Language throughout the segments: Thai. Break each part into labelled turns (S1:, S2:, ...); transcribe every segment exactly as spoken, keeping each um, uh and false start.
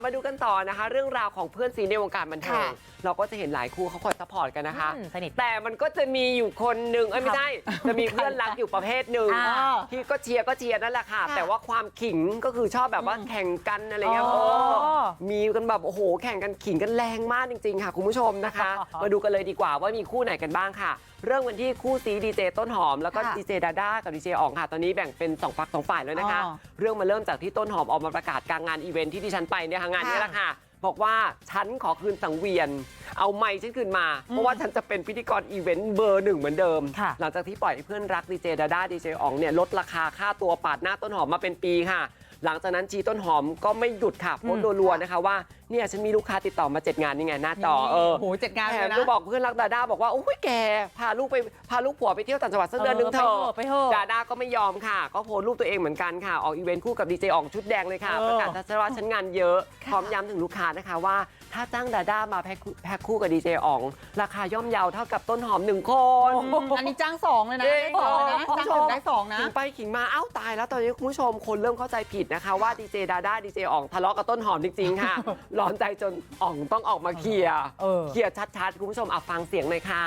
S1: มาดูกันต่อนะคะเรื่องราวของเพื่อนซีในวงการบันเทิงเราก็จะเห็นหลายคู่เขาคอยซัพพอร์ตกันนะคะแต่มันก็จะมีอยู่คนหนึ่งเอ้ยไม่ใช่จะมีเพื่อนรักอยู่ประเภทหนึ่งที่ก็เชียร์ก็เชียร์นั่นแหละค่ะแต่ว่าความขิงก็คือชอบแบบว่าแข่งกันอะไรเงี้ยมีกันแบบโอ้โหแข่งกันขิงกันแรงมากจริงๆค่ะคุณผู้ชมนะคะมาดูกันเลยดีกว่าว่ามีคู่ไหนกันบ้างค่ะเรื่องวันที่คู่ซีดีเจต้นหอมแล้วก็ดีเจดาด้ากับดีเจอ๋องค่ะตอนนี้แบ่งเป็นสองฝักสองฝ่ายแล้วนะคะเรื่องมาเริ่มจากที่ต้นหอมออกมาประกาศกลางงานอีเวนท์ที่ดิฉันไปเนี่ยงานนี้แหละค่ะบอกว่าฉันขอคืนสังเวียนเอาไมค์ฉันคืนมาเพราะว่าฉันจะเป็นพิธีกรอีเวนต์เบอร์หนึ่งเหมือนเดิมหลังจากที่ปล่อยให้เพื่อนรักดีเจดาด้าดีเจอ๋องเนี่ยลดราคาค่าตัวปาดหน้าต้นหอมมาเป็นปีค่ะหลังจากนั้นจีต้นหอมก็ไม่หยุดค่ะโพสต์รัวๆนะคะว่าเนี่ยฉันมีลูกค้าติดต่อมาเจ็ดงานนี่ไงหน้าจอเออ
S2: โหเจ็ดงานเลยนะ
S1: ก็บอกเพื่อนรักดาด้าบอกว่าโอ้ยแกพาลูกไปพาลูกผัวไปเที่ยวต่างจังหวัดสักเดือนนึงเถอะดาด้าก็ไม่ยอมค่ะก็โพสต์รูปตัวเองเหมือนกันค่ะออกอีเวนต์คู่กับดีเจอ๋องชุดแดงเลยค่ะประกาศชัดๆว่าฉันงานเยอะพร้อมย้ำถึงลูกค้านะคะว่าถ้าจ้างดาด้ามาแพ็คคู่กับดีเจอ๋องราคาย่อมเยาเท่ากับต้นหอมหนึ่งคน
S2: อันนี้จ้างสองเลยนะได้สองนะจ้างหนึ่งได้สองนะ
S1: ขิงไปขิงมาเอ้าตายแล้วตอนนี้คุณผู้ชมคนเริ่มเข้าใจผิดนะคะว่าดีเจดาด้าดีเจอ๋องทะเลาะกับต้นหอมจริงๆค่ะร้อนใจจนอ๋องต้องออกมาเคลียร์เคลียร์ชัดๆคุณผู้ชมเอาฟังเสียงหน่อยค่ะ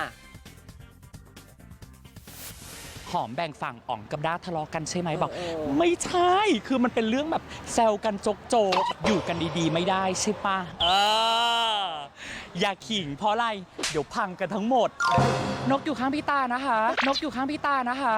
S3: หอมแบ่งฝั่งอ๋องกับด้าทะเลาะกันใช่ไหมบอกไม่ใช่คือมันเป็นเรื่องแบบแซวกันโจกโจกอยู่กันดีๆไม่ได้ใช่ปะเอออย่าขิงเพราะอะไรเดี๋ยวพังกันทั้งหมดนกอยู่ข้างพี่ตานะคะนกอยู่ข้างพี่ตานะคะ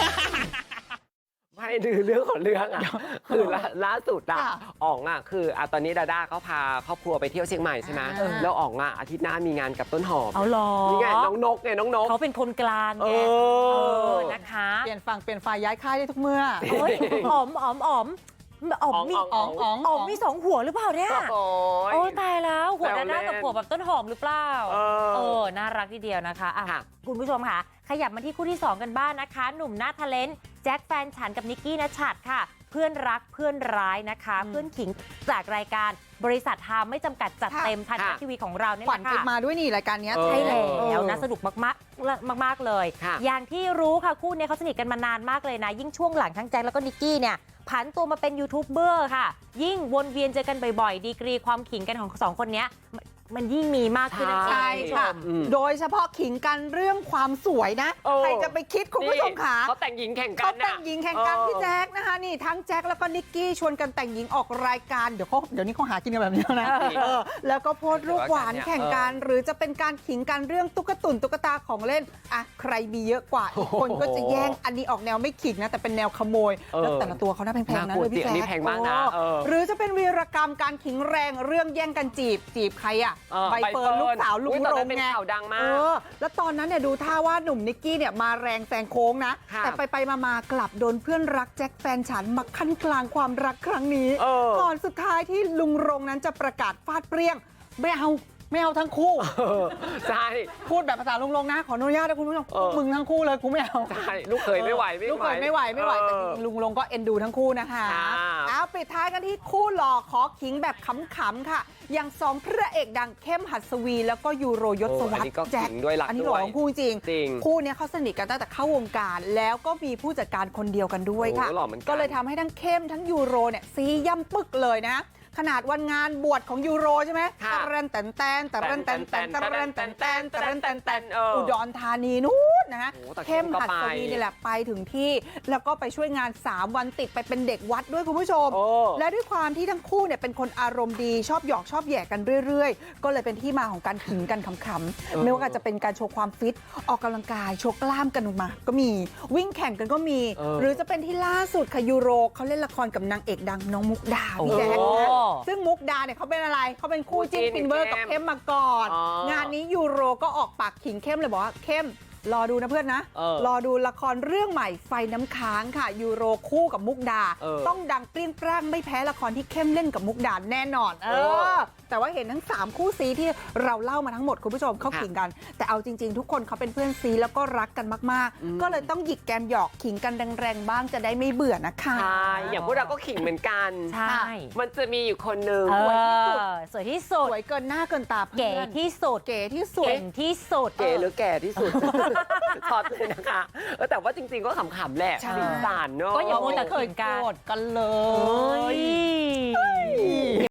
S1: ไม่ดื้อเรื่องของเรื่องอ่ะคือล่าสุดอ่ะอ๋องอ่ะคืออ่ะตอนนี้ดาด้าเขาพาครอบครัวไปเที่ยวเชียงใหม่ใช่ไหมแล้วอ๋องอ่ะอาทิตย์หน้ามีงานกับต้นหอม
S4: เอาหรอ
S1: นี่ไงน้องนกไงน้องนก
S4: เขาเป็นคนกลางไงนะคะ
S2: เปลี่ยนฝั่งเปลี่ยนฝ่ายย้ายค่ายได้ทุกเมื่อ
S4: อ๋อมอ๋อมอ๋อมอ๋อมมี
S2: อ๋องอ๋อง
S4: อ๋อมมีสองหัวหรือเปล่าเนี่ยโอ้ตายแล้วหัวดาด้ากับหัวแบบต้นหอมหรือเปล่าเออน่ารักทีเดียวนะคะอ่ะคุณผู้ชมค่ะขยับมาที่คู่ที่สองกันบ้างนะคะหนุ่มหน้าทะเลนแจ็คแฟนฉันกับนิกกี้นัชชัดค่ะเพื่อนรักเพื่อนร้ายนะคะเพื่อนขิงจากรายการบริษัททามไม่จำกัดจัดเต็มทางทีวีของเราเนี่ย
S2: ขวัญติดมาด้วยนี่รายการนี้
S4: ใช่แล้วนะสนุกมากๆมากๆเลยอย่างที่รู้ค่ะคู่นี้เขาสนิทกันมานานมากเลยนะยิ่งช่วงหลังทั้งแจ็คแล้วก็นิกกี้เนี่ยผันตัวมาเป็นยูทูบเบอร์ค่ะยิ่งวนเวียนเจอกันบ่อยๆดีกรีความขิงกันของสองคนนี้มันยิ่งมีมากขึ้น
S2: ใช่ค่ะโดยเฉพาะขิงกันเรื่องความสวยนะใครจะไปคิดคุณผู้ชมค่ะ
S1: เขาแต่งหญิงแข่งกัน
S2: เขาแต่งหญิงแข่งกันพี่แจ็คนะคะนี่ทั้งแจ็คแล้วก็นิกกี้ชวนกันแต่งหญิงออกรายการเดี๋ยวเขาเดี๋ยวนี้เขาหากินกันแบบนี้นะแล้วก็โพสต์รูปหวานแข่งกันหรือจะเป็นการขิงกันเรื่องตุ๊กตุนตุ๊กตาของเล่นอ่ะใครมีเยอะกว่าอีกคนก็จะแย่งอันนี้ออกแนวไม่ขิงนะแต่เป็นแนวขโมยแล้วแต่ละตัวเขาน่าแพงๆนะเลยพี่แจ็คหรือจะเป็นวีรกรรมการขิงแรงเรื่องแย่งกันจีบจีบใครอ่ะใบเฟิร์นลูกสาวลุงรงไงเออแล้วตอนนั้นเนี่ยดูท่าว่าหนุ่มนิกกี้เนี่ยมาแรงแซงโค้งนะแต่ไปไปมากลับโดนเพื่อนรักแจ็คแฟนฉันมาขั้นกลางความรักครั้งนี้ก่อนสุดท้ายที่ลุงรงนั้นจะประกาศฟาดเปรี้ยงไม่เอาไม่เอาทั้งคู่
S1: ใช่
S2: พูดแบบภาษาลุงลงนะขออนุญาตนะคุณผู้ชมมึงทั้งคู่เลยกูไม่เอา
S1: ใช่ลูกเคยไม่ไหว
S2: ลูกเคยไม่ไหวไม่ไหวแต่จริงลุงลงก็เอ็นดูทั้งคู่นะคะเอาปิดท้ายกันที่คู่หล่อขอขิงแบบขำๆค่ะอย่างสองพระเอกดังเข้มหัสวีแล้วก็ยูโรยศวรรษแจ็คอันนี้หล่อของคู่จริงคู่นี้เขาสนิทกันตั้งแต่เข้าวงการแล้วก็มีผู้จัดการคนเดียวกันด้วยค่ะก็เลยทำให้ทั้งเข้มทั้งยูโรเนี่ยซีย่ำปึกเลยนะขนาดวันงานบวชของยูโรใช่ไหมตะเรนแตนแตนตะเรนแตนแตนตะเรนแตนแตนตะเรนแตนแตนอุดรธานีนู้นนะฮะเข้มหัสวีนี่แหละไปถึงที่แล้วก็ไปช่วยงานสามวันติดไปเป็นเด็กวัดด้วยคุณผู้ชมและด้วยความที่ทั้งคู่เนี่ยเป็นคนอารมณ์ดีชอบหยอกชอบแย่กันเรื่อยๆก็เลยเป็นที่มาของการขิงกันขำๆไม่ว่าจะเป็นการโชว์ความฟิตออกกำลังกายโชว์กล้ามกันมาก็มีวิ่งแข่งกันก็มีหรือจะเป็นที่ล่าสุดค่ะยูโรเขาเล่นละครกับนางเอกดังน้องมุกดาพี่แจ๊คซึ่งมุกดาเนี่ยเขาเป็นอะไรเขาเป็นคู่จิ้นฟินเวอร์กับเข้มมาก่อนงานนี้ยูโรก็ออกปากขิงเข้มเลยบอกว่าเข้มรอดูนะเพื่อนนะรอดูละครเรื่องใหม่ไฟน้ำค้างค่ะยูโรคู่กับมุกดาต้องดังเปรี้ยงปร้างไม่แพ้ละครที่เข้มเล่นกับมุกดาแน่นอนเออแต่ว่าเห็นทั้งสามคู่ซีที่เราเล่ามาทั้งหมดคุณผู้ชมเขาขิงกันแต่เอาจริงๆทุกคนเขาเป็นเพื่อนซีแล้วก็รักกันมากๆก็เลยต้องหยิกแกมหยอกขิงกันแรงๆบ้างจะได้ไม่เบื่อนะคะ
S1: ใช่อย่างพวกเราก็ขิงเหมือนกัน
S4: ใช่
S1: มันจะมีอยู่คนหนึ่ง
S4: สวยที่สุดสวยที่สุด
S2: สวยเกินหน้าเกินตา
S4: เก๋ที่สุด
S2: เก๋ที่สุด
S4: เก่งที่สุด
S1: เก๋หรือแก่ที่สุดช็อตเลยนะคะแต่ว่าจริงๆก็ขำๆแหละสีสันเนาะ
S4: ก็อย่าโมแต่ขิงกัน
S2: กันเลย